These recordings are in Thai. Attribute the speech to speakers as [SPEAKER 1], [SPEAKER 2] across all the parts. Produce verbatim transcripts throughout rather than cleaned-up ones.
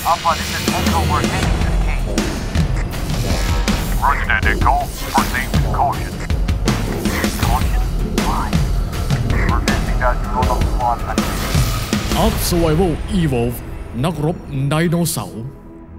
[SPEAKER 1] Alpha, this is Echo. We're heading to the gate. Roger that, Echo. Proceed with caution. Caution? Why? We're missing that drone on the squad.
[SPEAKER 2] Ark Survival Evolve นักรบไดโนเสาร์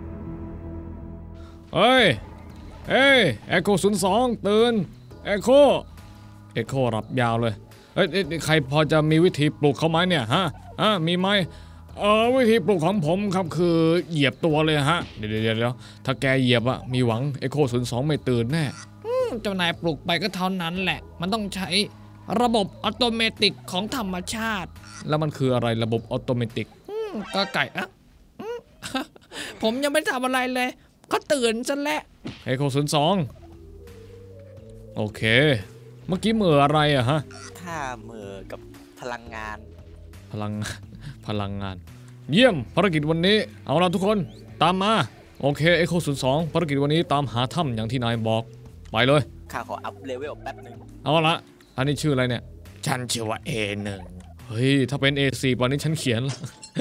[SPEAKER 2] เฮ้ยเฮ้ย Echo ศูนย์สองตื่น Echo Echo รับยาวเลยเฮ้ยใครพอจะมีวิธีปลุกเขาไหมเนี่ยฮะฮะมีไหมเออวิธีปลุกของผมครับคือเหยียบตัวเลยฮะเดี๋ยวเดี๋ยวเดี๋ยวถ้าแกเหยียบอะมีหวัง Echo ศูนย์สองไม่ตื่นแน่
[SPEAKER 3] เจ้านายปลุกไปก็เท่านั้นแหละมันต้องใช้ระบบอัตโนมัติของธรรมชาติ
[SPEAKER 2] แล้วมันคืออะไรระบบอัตโนมัติ
[SPEAKER 3] ก็ไก่อะผมยังไม่ทำอะไรเลยก็ตื่นซะแล้ว
[SPEAKER 2] Echo ศูนย์สองโอเคเมื่อกี้เหม่ออะไรอะฮะ
[SPEAKER 4] ข้าเหม่อกับพลังงาน
[SPEAKER 2] พลังพลังงานเยี่ยมภารกิจวันนี้เอาละทุกคนตามมาโอเค Echo ศูนย์สองภารกิจวันนี้ตามหาถ้ำอย่างที่นายบอกไปเลย
[SPEAKER 4] ข้าขออัพเลเวลแป๊บนึง
[SPEAKER 2] เอาละอันนี้ชื่ออะไรเนี่ย
[SPEAKER 3] ฉันชื่อว่า เอ หนึ่ง
[SPEAKER 2] เฮ้ยถ้าเป็น เอ สี่ วันนี้ฉันเขียน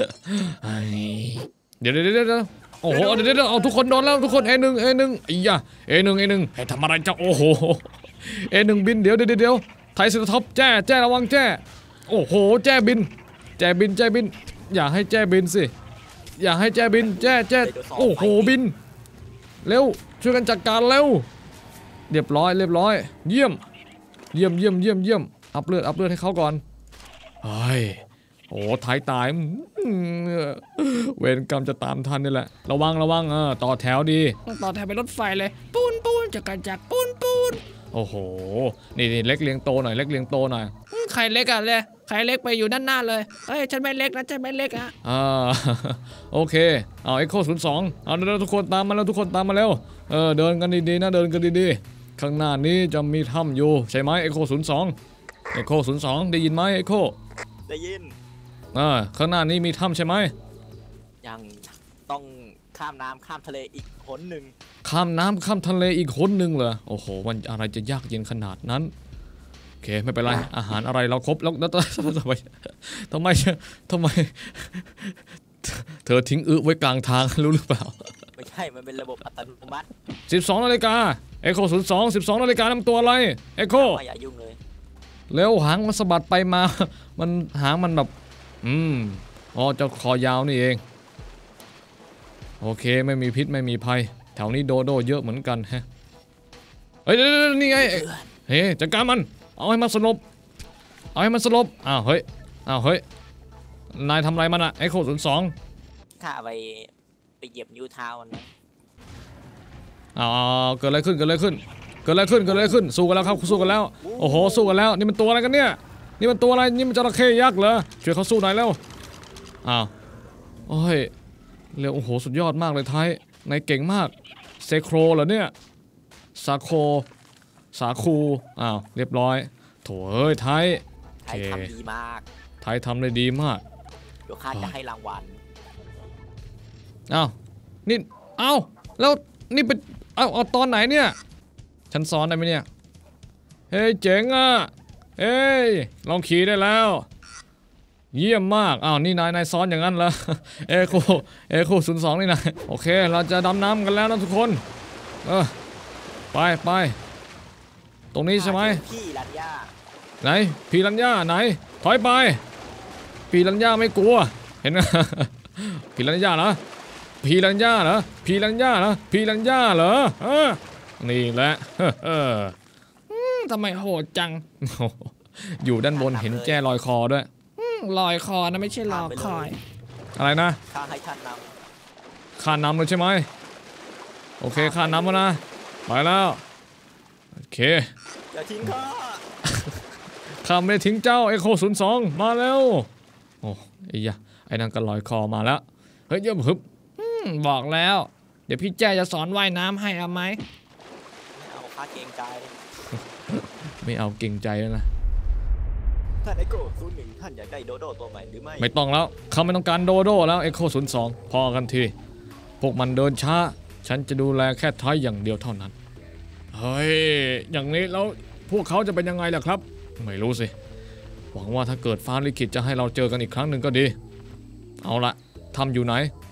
[SPEAKER 2] เดี๋ยวเดี๋ยวเดี๋ยวโอ้โหเดี๋ยวเดี๋ยวเอาทุกคนโดนแล้วทุกคน เอ หนึ่ง เอ หนึ่งไอ้ยะ เอ หนึ่ง เอ หนึ่งให้ทำอะไรจะโอ้โห เอ หนึ่ง บินเดี๋ยวเดี๋ยวเดี๋ยวไทยสท็อปแจ้แจ้ระวังแจ้โอ้โหแจ้บินแจ้บินแจ้บินอย่าให้แจ้บินสิอย่าให้แจ้บินแจ้แจ้โอ้โหบินเร็วช่วยกันจัดการเร็วเรียบร้อยเรียบร้อยเยี่ยมเยี่ยมเยี่ยมเยี่ยมเยี่ยมอัพเลือดอัพเลือดให้เขาก่อนเฮ้ยโอ้ท้ายตายเวรกรรมจะตามทันนี่แหละระวังระวังเออต่อแถวดี
[SPEAKER 3] ต่อแถวไปรถไฟเลยปูนปูนจักรจักรปูนปูน
[SPEAKER 2] โอ้โหนี่นี่เล็กเลี้ยงโตหน่อยเล็กเลี้ยงโตหน่อย
[SPEAKER 3] ใครเล็กอะเลยใครเล็กไปอยู่ด้านหน้าเลยเฮ้ยฉันไม่เล็กนะฉันไม่เล็กอะ
[SPEAKER 2] อ่าโอเคเอา Echo ศูนย์สองเอาเดินทุกคนตามมาแล้วทุกคนตามมาแล้วเออเดินกันดีๆนะเดินกันดีๆข้างหน้านี้จะมีถ้ำอยู่ใช่ไหม Echo ศูนย์สอง Echo ศูนย์สองได้ยินไหม Echo
[SPEAKER 4] ได้ยิน
[SPEAKER 2] อ่าข้างหน้านี้มีถ้ำใช่ไหม
[SPEAKER 4] ยังต้องข้ามน้ำข้ามทะเลอีกหนหนึ่ง
[SPEAKER 2] ข้ามน้ำข้ามทะเลอีกหนหนึ่งเหรอโอ้โหมันอะไรจะยากเย็นขนาดนั้นโอเคไม่เป็นไรอาหารอะไรเราครบแล้วแล้วทำไมทำไมทำไมเธอทิ้งอึไว้กลางทางรู้หรือเปล่า
[SPEAKER 4] ไม่ใช่มันเป็นระบบอัตโนมัติ
[SPEAKER 2] สิบสองนาฬิกา Echo ศูนย์สอง สิบสองนาฬิกานำตัวอะไร Echo
[SPEAKER 4] อย่ายุ่งเลย
[SPEAKER 2] แล้วหางมันสะบัดไปมามันหางมันแบบอืมอ๋อเจ้าคอยาวนี่เองโอเคไม่มีพิษไม่มีภัยแถวนี้โดโดเยอะเหมือนกันฮะเฮ้ยนี่ไงเฮ้ยจัดการมันเอาให้มันสลบเอาให้มันสลบอ้าวเฮ้ยอ้าวเฮ้ยนายทำอะไรมันอะไอ้โคศูนย์สอง
[SPEAKER 4] ข้าไปไปเหยียบนิ้วเท้ามันนะ
[SPEAKER 2] อ้าวเกิดอะไรขึ้นเกิดอะไรขึ้นเกิดอะไรขึ้นเกิดอะไรขึ้นสู้กันแล้วครับสู้กันแล้วโอ้โหสู้กันแล้วนี่มันตัวอะไรกันเนี่ยนี่มันตัวอะไรนี่มันจระเข้ยักษ์เหรอช่วยเขาสู้หน่อยแล้วอ้าวโอ้ยเร็วโอ้โหสุดยอดมากเลยไทยนายเก่งมากเซโครเหรอเนี่ยซาโคสาคูอ้าวเรียบร้อยโถ่เอ้ยไทย
[SPEAKER 4] ไทยทำดีมาก
[SPEAKER 2] ไทยทำได้ดีมาก
[SPEAKER 4] เดี๋ยวข้าจะให้รางวัล
[SPEAKER 2] อ้าวนี่อ้าวแล้วนี่เป็นเอาเอาตอนไหนเนี่ยฉันซ้อนได้ไหมเนี่ยเฮ้ยเจ๋งอ่ะเฮ้ยลองขี่ได้แล้วเยี่ยมมากอ้าวนี่นายนายซ้อนอย่างนั้นเหรอเอโคเอโคศูนย์สองนี่นายโอเคเราจะดำน้ำกันแล้วนะทุกคนเออไปไปตรงนี้ใช่ไหม
[SPEAKER 4] พี่รัญญา
[SPEAKER 2] ไหนพี่รัญญาไหนถอยไปพี่รัญญาไม่กลัวเห็นไหมพี่รัญญาเหรอพี่รัญญาเหรอพี่รัญญาเหรอพี่รัญญาเหรอเออนี่แหละเออ
[SPEAKER 3] ทำไมโหดจัง
[SPEAKER 2] อยู่ด้านบนเห็นแจ้ลอยคอด้วย
[SPEAKER 3] ลอยคอนะไม่ใช่ลอยคอย
[SPEAKER 2] อะไรนะ
[SPEAKER 4] ข้าให้ท่านน
[SPEAKER 2] ำข้านำเลยใช่ไหมโอเคข้านำแล้วนะไปแล้วโอเค
[SPEAKER 4] อย่าทิ้งข้า
[SPEAKER 2] ข้าไม่ได้ทิ้งเจ้า Echo ศูนย์สองมาแล้วโอ้ไอ้ยะไอ้นั่นก็ลอยคอมาแล้วเฮ้ยเยี่ยมฮึบ
[SPEAKER 3] บอกแล้วเดี๋ยวพี่แจ้จะสอนว่ายน้ำให้เอาไหม
[SPEAKER 4] ไม่เอาข้าเกรงใจ
[SPEAKER 2] ไม่เอาเกรงใจแล้วนะ
[SPEAKER 4] ท่านเอ็กโคศูนย์หนึ่งท่านอยากได้โดโดตัวใหม่หรือไม่
[SPEAKER 2] ไม่ต้องแล้วเขาไม่ต้องการโดโดแล้ว Echo ศูนย์สองพอกันทีพวกมันเดินช้าฉันจะดูแลแค่ท้ายอย่างเดียวเท่านั้นเฮ้ยอย่างนี้แล้วพวกเขาจะเป็นยังไงล่ะครับไม่รู้สิหวังว่าถ้าเกิดฟ้าลิขิตจะให้เราเจอกันอีกครั้งหนึ่งก็ดีเอาละทำอยู่ไหน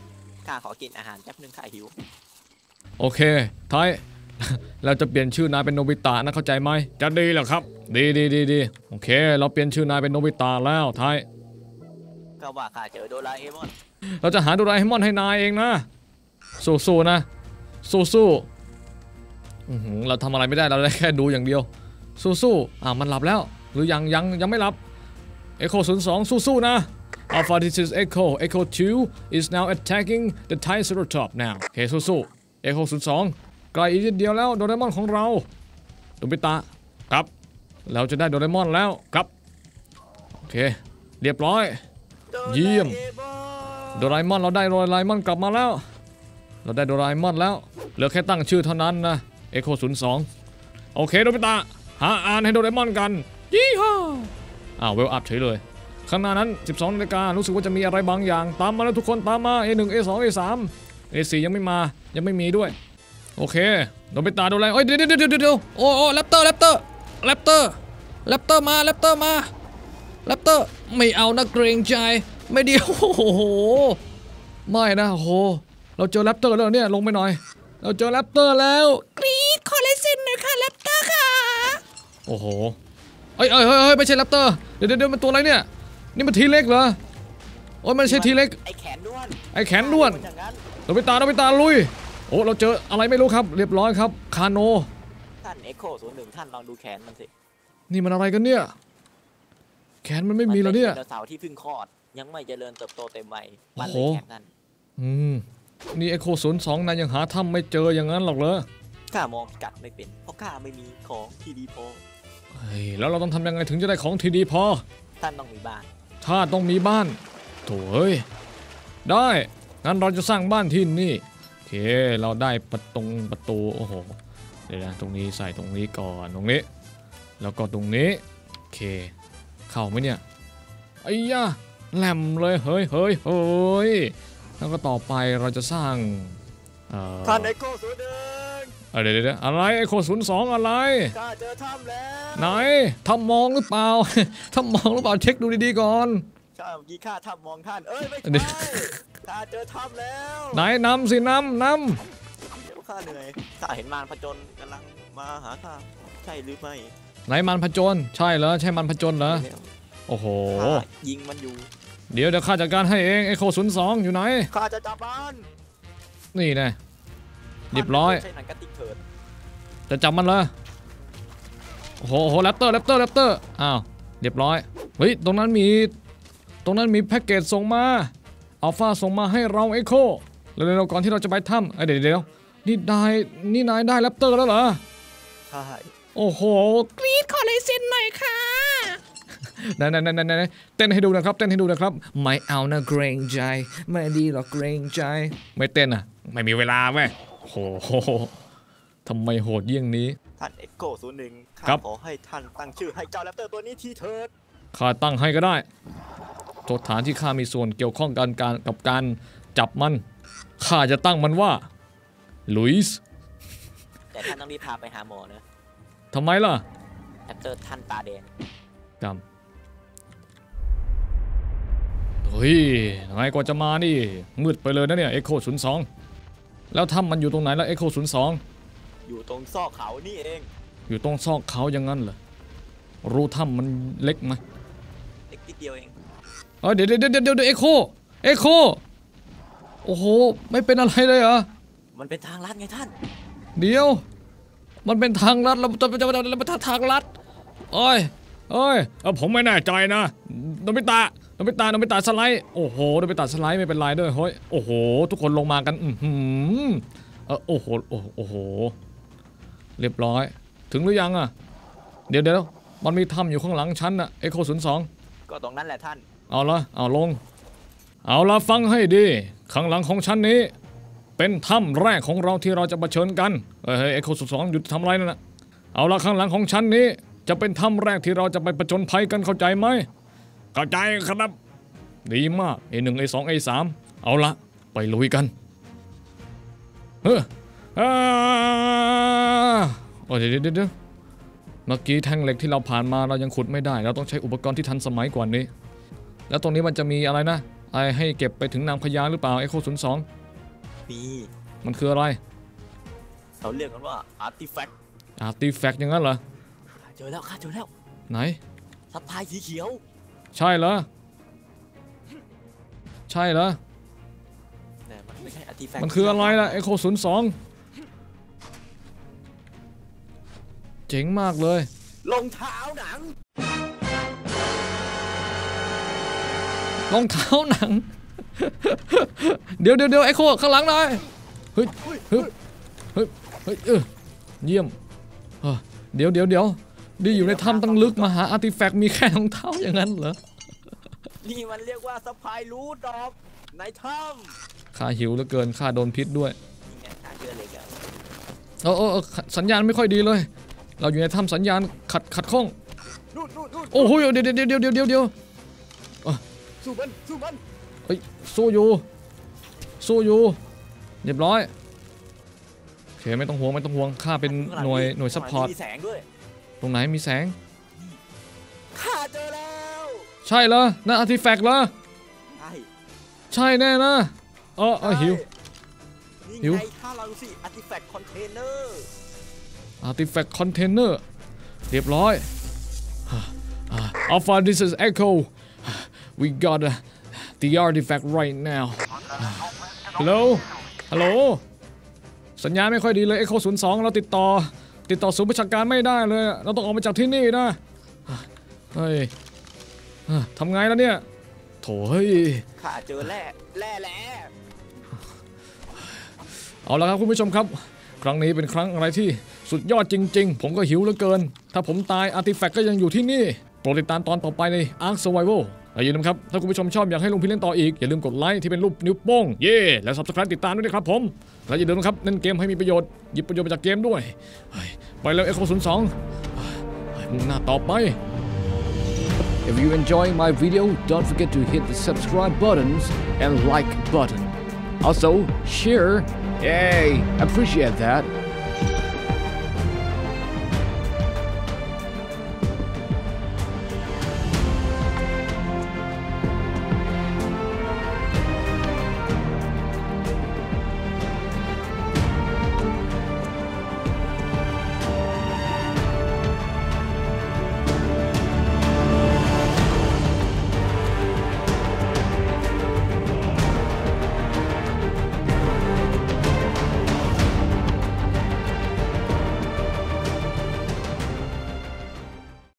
[SPEAKER 4] ข้าขอกินอาหารแป๊บนึงข้าหิว
[SPEAKER 2] โอเคไทย เราจะเปลี่ยนชื่อนายเป็นโนบิตะนะเข้าใจไหมจะดีเหรอครับดีดีดีดีโอเคเราเปลี่ยนชื่อนายเป็นโนบิตะแล้วไทย
[SPEAKER 4] ก็ว่าข้าเจอโดราเอมอน
[SPEAKER 2] เราจะหาโดราเอมอนให้นายเองนะสู้ๆนะสู้ๆอื้อหือเราทำอะไรไม่ได้เราได้แค่ดูอย่างเดียวสู้ๆอ่ามันหลับแล้วหรือยังยังยังไม่หลับ Echo ศูนย์สองสู้ๆนะ Alpha this is Echo Echo ทู is now attacking the Triceratops now โอเคสู้ๆ Echo ศูนย์สองใกล้อีกนิดเดียวแล้วโดราเอมอนของเราโนบิตะครับเราจะได้โดราเอมอนแล้วครับโอเคเรียบร้อยเยี่ยมโดราเอมอนเราได้โดราเอมอนกลับมาแล้วเราได้โดราเอมอนแล้วเหลือแค่ตั้งชื่อเท่านั้นนะ Echo ศูนย์สองโอเคโนบิตะหาอ่านให้โดราเอมอนกันยี่ห้าอ้าวเวลอัพเฉยเลยข้างหน้านั้นสิบสองนาฬิการู้สึกว่าจะมีอะไรบางอย่างตามมาแล้วทุกคนตามมา เอ หนึ่ง เอ สอง เอ สาม เอ สี่ ยังไม่มายังไม่มีด้วยโอเคโนบิตะโดราเอมอนเอ้ยเดี๋ยวเดี๋ยวเดี๋ยวเดี๋ยวโอ้โอ้แรปเตอร์แรปเตอร์แรปเตอร์แรปเตอร์มาแรปเตอร์มาแรปเตอร์ไม่เอานะเกรงใจไม่เดียวโอ้โหไม่นะโอ้โหเราเจอแรปเตอร์แล้วเนี่ยลงไปหน่อยเราเจอแรปเตอร์แล้วกรี๊ดขอเลสินหน่อยค่ะแรปเตอร์ค่ะโอ้โหเอ้ยเอ้ยเฮ้ยไม่ใช่แรปเตอร์เดี๋ยวเดี๋ยวมันตัวอะไรเนี่ยนี่มันทีเล็กเหรอโอ้ยมันไม่ใช่ทีเล็ก
[SPEAKER 4] ไอแขนด้วน
[SPEAKER 2] ไอแขนด้วนโนบิตะโนบิตะลุยโอ้เราเจออะไรไม่รู้ครับเรียบร้อยครับคาโน
[SPEAKER 4] ท่านเอ็กโคศูนย์หนึ่งท่านลองดูแขนมันสิ
[SPEAKER 2] นี่มันอะไรกันเนี่ยแขนมันไม่มีแล้วเนี่ย
[SPEAKER 4] มัเป็นไดโนเสาร์ที่เพิ่งคลอดยังไม่เจริญเติบโตเต็มวัย
[SPEAKER 2] โอ้
[SPEAKER 4] มัน
[SPEAKER 2] โห
[SPEAKER 4] เลยแขนนั่น
[SPEAKER 2] อืมนี่เอโคศูนย์สองนายยังหาถ้ำไม่เจออย่างนั้นหรอกเหรอ
[SPEAKER 4] ข้ามองกัดไม่เป็นเพราะข้าไม่มีของที่ดีพอ
[SPEAKER 2] เฮ้ยแล้วเราต้องทำยังไงถึงจะได้ของที่ดีพอ
[SPEAKER 4] ท่านต้องมีบ้าน
[SPEAKER 2] ถ้าต้องมีบ้านโถ่เอ้ยได้งั้นเราจะสร้างบ้านที่นี่โอเคเราได้ประตูประตูโอ้โหเดี๋ยวนะตรงนี้ใส่ตรงนี้ก่อนตรงนี้แล้วก็ตรงนี้โอเคเข้าไหมเนี่ยไอ้ยะแหลมเลยเฮ้ยเฮ้ยเฮ้ยแล้วก็ต่อไปเราจะสร้างเอ่อ
[SPEAKER 4] ท่านเอ็กโคศูนย์หนึ่ง
[SPEAKER 2] เอ่อเดี๋ยวเดี๋ยวอะไรไอโคศูนย์สองอะไร
[SPEAKER 4] ข้าเจอถ้ำแล้ว
[SPEAKER 2] ไหนทำมองหรือเปล่า ทำมองหรือเปล่าเช็คดูดีๆก่อน
[SPEAKER 4] ข้าเมื่อกี้ข้าถ้ำมองท่านเอ้ยไม่
[SPEAKER 2] เดี๋ยว
[SPEAKER 4] ใช่ข้าเจอถ้ำแล้ว
[SPEAKER 2] ไหนนำสินำน
[SPEAKER 4] เดี๋ยวข้าเหนื่อยข้าเห็นมารผจญกำลังมาหาข้าใช่หรือไม่
[SPEAKER 2] ำไหนมันผจญใช่เหรอใช่มันผจญเหรอโอ้โห
[SPEAKER 4] ข้ายิงมันอยู่
[SPEAKER 2] เดี๋ยวเดี๋ยวข้าจัดการให้เองไอโคศูนย์สองอยู่ไหน
[SPEAKER 4] ข้าจะจับมัน
[SPEAKER 2] นี่แน่เรียบร้อย
[SPEAKER 4] ใช่หนังกระติกเถิด
[SPEAKER 2] จะจับมันเหรอโอ้โหโอ้โหแรปเตอร์แรปเตอร์แรปเตอร์อ้าวเรียบร้อยเฮ้ยตรงนั้นมีตรงนั้นมีแพ็กเกจส่งมาอัลฟาส่งมาให้เราไอโคเร็วๆก่อนที่เราจะไปถ้ำเอ้ยเดี๋ยวเดี๋ยวนี่นายนี่นายได้แรปเตอร์แล้วเหรอ
[SPEAKER 4] ใช่
[SPEAKER 2] โอ้โห
[SPEAKER 3] กรี๊ดขอลายเซ็นหน่อยค่ะ
[SPEAKER 2] ไหนไหนไหนไหนเต้นให้ดูนะครับเต้นให้ดูนะครับไม่เอานะเกรงใจไม่ดีหรอกเกรงใจไม่เต้นอ่ะไม่มีเวลาเว้ยโอ้โหทำไมโหดเยี่ยงนี้
[SPEAKER 4] ท่านเอ็กโคศูนย์หนึ่งข้า
[SPEAKER 2] ครับ
[SPEAKER 4] ขอให้ท่านตั้งชื่อให้เจ้าแรปเตอร์ตัวนี้ทีเถิด
[SPEAKER 2] ข้าตั้งให้ก็ได้โทษฐานที่ข้ามีส่วนเกี่ยวข้องกันการกับการจับมันข้าจะตั้งมันว่าลุยส์
[SPEAKER 4] แต่ท่านต้องรีบพาไปหาหมอนะ
[SPEAKER 2] ทำไมล่ะ
[SPEAKER 4] แรปเตอร์ท่านตาแดง
[SPEAKER 2] จำเฮ้ยไงกว่าจะมานี่มืดไปเลยนะเนี่ยเอ็กโคศูนย์สองแล้วถ้ำมันอยู่ตรงไหนแล้วเอ็กโคศูนย์สอง
[SPEAKER 4] อยู่ตรงซอกเขานี่เอง
[SPEAKER 2] อยู่ตรงซอกเขาอย่างนั้นเหรอรูถ้ำมันเล็กไหม
[SPEAKER 4] เล็กนิดเดียวเอง
[SPEAKER 2] เออเดี๋ยวเดี๋ยวเดี๋ยวเดี๋ยวเอ็กโคเอ็กโคโอ้โหไม่เป็นอะไรเลยเหรอ
[SPEAKER 4] มันเป็นทางลัดไงท่าน
[SPEAKER 2] เดี๋ยวมันเป็นทางลัดเราจะจะจะจะเป็นทางลัดโอ้ยโอ้ยเออผมไม่แน่ใจนะโนบิตะโนบิตะโนบิตะสไลด์โอ้โหโนบิตะสไลด์ไม่เป็นไรด้วยเฮ้ยโอ้โหทุกคนลงมากันอือหือเออโอ้โหโอ้โอ้โหเรียบร้อยถึงหรือยังอ่ะเดี๋ยวเดี๋ยวมันมีถ้ำอยู่ข้างหลังชั้นน่ะเอ็กโคศูนย์สอง
[SPEAKER 4] ก็ตรงนั้นแหละท่าน
[SPEAKER 2] เอาละเอาลงเอาละฟังให้ดีข้างหลังของชั้นนี้เป็นถ้ำแรกของเราที่เราจะเผชิญกันเฮ้ยเอ็กโคศูนย์สองหยุดทำอะไรนั่นน่ะเอาละข้างหลังของชั้นนี้จะเป็นถ้ำแรกที่เราจะไปผจญภัยกันเข้าใจไหมเข้าใจครับดีมาก เอ หนึ่ง เอ สอง เอ สาม เอาละไปลุยกันเฮ้ออ่าโอ้เดี๋ยวเดี๋ยวเดี๋ยวเมื่อกี้แท่งเหล็กที่เราผ่านมาเรายังขุดไม่ได้เราต้องใช้อุปกรณ์ที่ทันสมัยกว่านี้แล้วตรงนี้มันจะมีอะไรนะไอให้เก็บไปถึงนางพญาหรือเปล่าเอ็กโคศูนย์สอง
[SPEAKER 4] มี
[SPEAKER 2] มันคืออะไร
[SPEAKER 4] เขาเรียกกันว่าอาร์ติแฟกต์
[SPEAKER 2] อาร์ติแฟกต์อย่างนั้นเหรอ
[SPEAKER 4] เจอแล้วข้าเจอแล้ว
[SPEAKER 2] ไหน
[SPEAKER 4] ซัพพลายสีเขียว
[SPEAKER 2] ใช่เหรอใช่เหรอ
[SPEAKER 4] แต่มันไม่ใช่อาร์ติแฟกต์
[SPEAKER 2] มันคืออะไรล่ะ Echo ศูนย์สองเจ๋งมากเลย
[SPEAKER 4] รองเท้าหนัง
[SPEAKER 2] รองเท้าหนัง เดี๋ยวเดี๋ยวเดี๋ยวไอโคข้างหลังหน่อยเฮ้ยเฮ้ยเฮ้ยเฮ้ยเออเยี่ยมเออเดี๋ยวเดี๋ยวเดี๋ยวดีอยู่ในถ้ำตั้งลึกมาหาอาร์ติแฟกต์มีแค่รองเท้าอย่างนั้นเหรอ
[SPEAKER 4] นี่มันเรียกว่าซัพพลายรูทดอกในถ้
[SPEAKER 2] ข้าหิวเหลือเกินข้าโดนพิษด้วย
[SPEAKER 4] ำนี่ไงข้าเจอเลยกัน
[SPEAKER 2] เออเออเออสัญญาณไม่ค่อยดีเลย เราอยู่ในถ้ำสัญญาณขัดขัดข้อง
[SPEAKER 4] นู่นนู่นนู่น
[SPEAKER 2] โอ้โหเดี๋ยวเดี๋ยวเดี๋ยวเดี๋ยวเดี๋ยวเดี๋ยว
[SPEAKER 4] สู้มันสู้มัน
[SPEAKER 2] เฮ้ยสู้อยู่สู้อยู่เรียบร้อยโอเคไม่ต้องห่วงไม่ต้องห่วงข้าเป็นหน่วยหน่วยซัพพอร์ต
[SPEAKER 4] มีแสงด้วย
[SPEAKER 2] ตรงไหนมีแสง
[SPEAKER 4] ข้าเจอแล้ว
[SPEAKER 2] ใช่เหรอนั่นอาร์ติแฟกต์เหรอ
[SPEAKER 4] ใช่
[SPEAKER 2] ใช่แน่นะเออเออหิว
[SPEAKER 4] นี่
[SPEAKER 2] หิว
[SPEAKER 4] ไงข้าเราสิอาร์ติแฟกต์คอนเทนเนอร์
[SPEAKER 2] อาร์ติแฟกต์คอนเทนเนอร์เรียบร้อย Alpha this is Echo we got uh, the artifact right now Hello Hello สัญญาณไม่ค่อยดีเลย Echo ศูนย์สองเราติดต่อติดต่อศูนย์ประชาการไม่ได้เลยเราต้องออกมาจากที่นี่นะเฮ้ยทำไงแล้วเนี่ยโถ่เฮ้ย
[SPEAKER 4] ข้าเจอแร่แร่แร่
[SPEAKER 2] เอาละครับคุณผู้ชมครับครั้งนี้เป็นครั้งอะไรที่สุดยอดจริงๆผมก็หิวเหลือเกินถ้าผมตายอาร์ติแฟกต์ก็ยังอยู่ที่นี่โปรดติดตามตอนต่อไปใน Ark Survival และอย่าลืมครับถ้าคุณผู้ชมชอบอยากให้ลุงพี่เล่นต่ออีกอย่าลืมกดไลค์ที่เป็นรูปนิ้วโป้งเย่แล้ว Subscribe ติดตามด้วยนะครับผมและอย่าลืมนะครับเล่นเกมให้มีประโยชน์หยิบประโยชน์มาจากเกมด้วยไปแล้ว Echo ศูนย์สองมุ่งหน้าต่อไป If you enjoy my video don't forget to hit the subscribe buttons and like button also share yay appreciate that